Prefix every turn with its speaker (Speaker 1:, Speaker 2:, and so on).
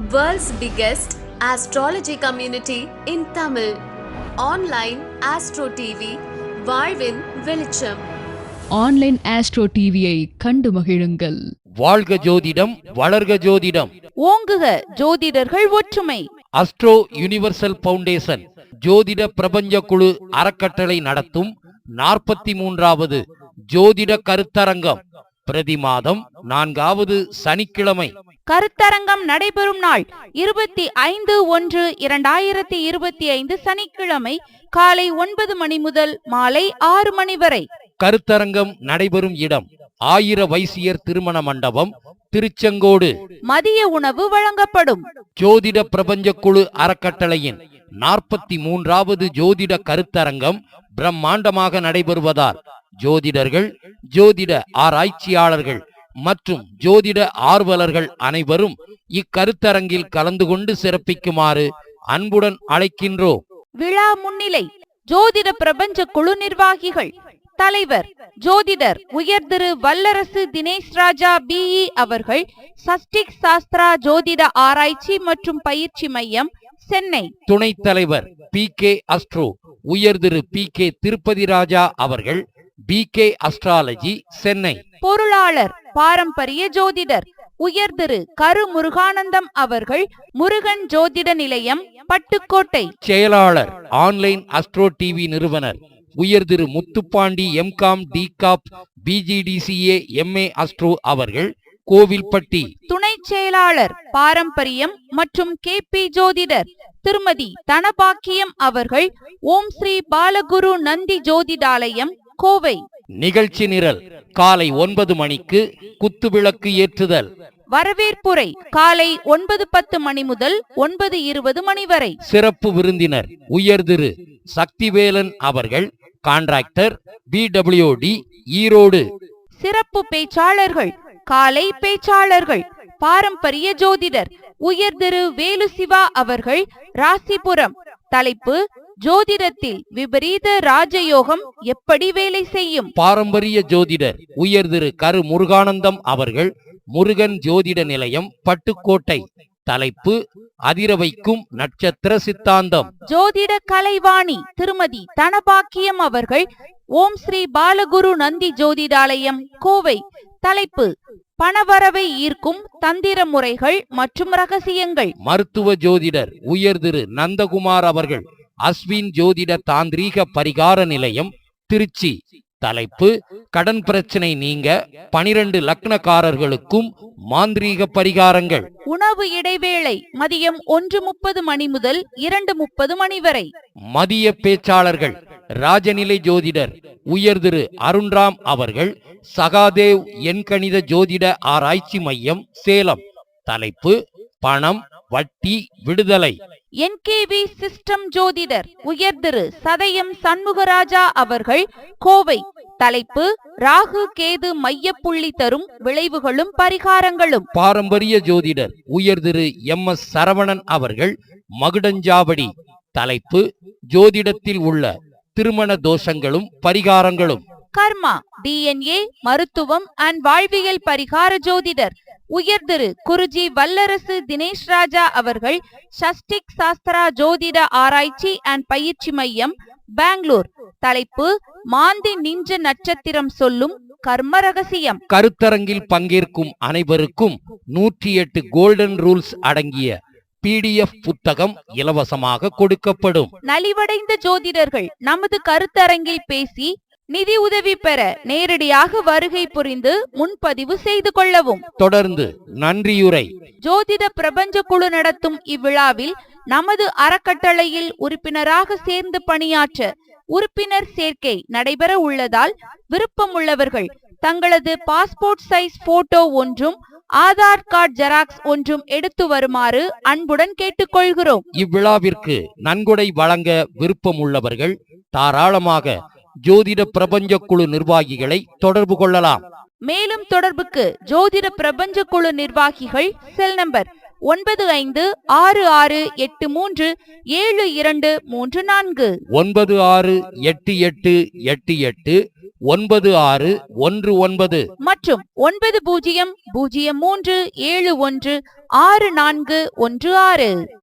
Speaker 1: World's biggest astrology community in Tamil. Online Astro TV, வாழ்வின் வெளிச்சம்.
Speaker 2: Online astro டிவியை கண்டு மகிழுங்கள்.
Speaker 3: வாழ்க ஜோதிடம், வளர்க ஜோதிடம்,
Speaker 4: ஓங்குக ஜோதிடர்கள் ஒற்றுமை.
Speaker 3: அஸ்ட்ரோ யுனிவர்சல் பவுண்டேஷன் ஜோதிட பிரபஞ்ச குழு அறக்கட்டளை நடத்தும் 43வது ஜோதிட கருத்தரங்கம் பிரதி மாதம் 4வது சனிக்கிழமை.
Speaker 4: கருத்தரங்கம் நடைபெறும் நாள் 25/1/2025 சனிக்கிழமை காலை 9 மணி முதல் மாலை 6 மணி வரை.
Speaker 3: கருத்தரங்கம் நடைபெறும் இடம் ஆயிர வைசியர் திருமண மண்டபம், திருச்செங்கோடு.
Speaker 4: மதிய உணவு வழங்கப்படும்.
Speaker 3: ஜோதிட பிரபஞ்ச குழு அறக்கட்டளையின் 43வது ஜோதிட கருத்தரங்கம் பிரம்மாண்டமாக நடைபெறுவதால் ஜோதிடர்கள், ஜோதிட ஆராய்ச்சியாளர்கள் மற்றும் ஜோதிட ஆர்வலர்கள் அனைவரும் இக்கருத்தரங்கில் கலந்து கொண்டு சிறப்பிக்குமாறு அன்புடன் அழைக்கின்றோம்.
Speaker 4: விழா முன்னிலை ஜோதிட பிரபஞ்ச குழு நிர்வாகிகள். தலைவர் ஜோதிடர் உயர் திரு வல்லரசு தினேஷ் ராஜா பிஇ அவர்கள், சஷ்டிக் சாஸ்திரா ஜோதிட ஆராய்ச்சி மற்றும் பயிற்சி மையம், சென்னை.
Speaker 3: துணைத் தலைவர் PK அஸ்ட்ரோ உயர் திரு PK திருப்பதி ராஜா அவர்கள், BK அஸ்ட்ராலஜி, சென்னை.
Speaker 4: பொருளாளர் பாரம்பரிய ஜோதிடர் உயர் திரு கரு முருகானந்தம் அவர்கள், முருகன் ஜோதிட நிலையம், பட்டுக்கோட்டை.
Speaker 3: செயலாளர் ஆன்லைன் அஸ்ட்ரோ டிவி நிறுவனர் உயர் திரு Muthupandi MCom DCOP BGDCA MA Astro அவர்கள், கோவில்பட்டி.
Speaker 4: துணை செயலாளர் பாரம்பரியம் மற்றும் KP ஜோதிடர் திருமதி தனபாக்கியம் அவர்கள், ஓம் ஸ்ரீ பாலகுரு நந்தி ஜோதிடாலயம், கோவை.
Speaker 3: நிகழ்ச்சி நிரல் காலை 9 மணிக்கு குத்துவிளக்கு ஏற்றுதல்.
Speaker 4: வரவேற்புரை காலை 9:10 மணி முதல் 9:20 மணி வரை.
Speaker 3: சிறப்பு விருந்தினர் உயர் திரு சக்திவேலன் அவர்கள், கான்ட்ராக்டர் BWD, ஈரோடு.
Speaker 4: சிறப்பு பேச்சாளர்கள் காலை பேச்சாளர்கள் பாரம்பரிய ஜோதிடர் உயர் திரு வேலு சிவா அவர்கள், ராசிபுரம். தலைப்பு ஜோதிடத்தில் விபரீத ராஜயோகம் எப்படி வேலை செய்யும்.
Speaker 3: பாரம்பரிய ஜோதிடர் உயர் திரு கரு முருகானந்தம் அவர்கள், முருகன் ஜோதிட நிலையம், பட்டுக்கோட்டை. தலைப்பு அதிரவைக்கும் நட்சத்திர சித்தாந்தம்.
Speaker 4: ஜோதிட கலைவாணி திருமதி தனபாக்கியம் அவர்கள், ஓம் ஸ்ரீ பாலகுரு நந்தி ஜோதிடாலயம், கோவை. தலைப்பு பணவரவை ஈர்க்கும் தந்திர முறைகள் மற்றும் ரகசியங்கள்.
Speaker 3: மருத்துவ ஜோதிடர் உயர் திரு நந்தகுமார் அவர்கள், அஸ்வின் ஜோதிட தாந்திரீக பரிகார நிலையம், திருச்சி. தலைப்பு கடன் பிரச்சனை நீங்க 12 லக்னக்காரர்களுக்கும் மாந்திரீக பரிகாரங்கள்.
Speaker 4: உணவு இடைவேளை மதியம் 1:30 மணி முதல் 2:30 மணி வரை.
Speaker 3: மதிய பேச்சாளர்கள் ராஜநிலை ஜோதிடர் உயர் திரு அருண்ராம் அவர்கள், சகாதேவ் எண்கணித ஜோதிட ஆராய்ச்சி மையம், சேலம். தலைப்பு பணம், வட்டி, விடுதலை.
Speaker 4: NKV சிஸ்டம் ஜோதிடர் உயர் திரு சதயம் சண்முகராஜா அவர்கள், கோவை. தலைப்பு ராகு கேது மையப்புள்ளி தரும் விளைவுகளும் பரிகாரங்களும்.
Speaker 3: பாரம்பரிய ஜோதிடர் உயர் திரு MS சரவணன் அவர்கள், மகுடஞ்சாவடி. தலைப்பு ஜோதிடத்தில் உள்ள திருமண தோஷங்களும் பரிகாரங்களும்.
Speaker 4: கர்மா DNA மருத்துவம் அண்ட் வாழ்வியல் பரிகார ஜோதிடர் உயர் திரு குருஜி வல்லரசு தினேஷ் ராஜா அவர்கள், சஷ்டிக் சாஸ்திரா ஜோதிட ஆராய்ச்சி அண்ட் பயிற்சி மையம், பெங்களூர். தலைப்பு மாந்தி நிஞ்ச நட்சத்திரம் சொல்லும் கர்ம ரகசியம்.
Speaker 3: கருத்தரங்கில் பங்கேற்கும் அனைவருக்கும் 108 கோல்டன் ரூல்ஸ் அடங்கிய PDF புத்தகம் இலவசமாக கொடுக்கப்படும்.
Speaker 4: நலிவடைந்த ஜோதிடர்கள் நமது கருத்தரங்கில் பேசி நிதி உதவி பெற நேரடியாக வருகை புரிந்து முன்பதிவு செய்து கொள்ளவும்.
Speaker 3: தொடர்ந்து நன்றியுரை.
Speaker 4: ஜோதிட பிரபஞ்ச குழு நடத்தும் இவ்விழாவில் நமது அறக்கட்டளையில் உறுப்பினராக சேர்ந்து பணியாற்ற உறுப்பினர் சேர்க்கை நடைபெற உள்ளதால் விருப்பமுள்ளவர்கள் தங்களது பாஸ்போர்ட் சைஸ் போட்டோ ஒன்றும் ஆதார் கார்டு ஜெராக்ஸ் ஒன்றும் எடுத்து வருமாறு அன்புடன் கேட்டுக்கொள்கிறோம்.
Speaker 3: இவ்விழாவிற்கு நன்கொடை வழங்க விருப்பம் உள்ளவர்கள் தாராளமாக ஜோதிட பிரபஞ்ச குழு நிர்வாகிகளை தொடர்பு கொள்ளலாம்.
Speaker 4: மேலும் தொடர்புக்கு ஜோதிட பிரபஞ்ச குழு நிர்வாகிகள் செல் நம்பர் 9566837234
Speaker 3: 968888 9619
Speaker 4: மற்றும் 9003716416.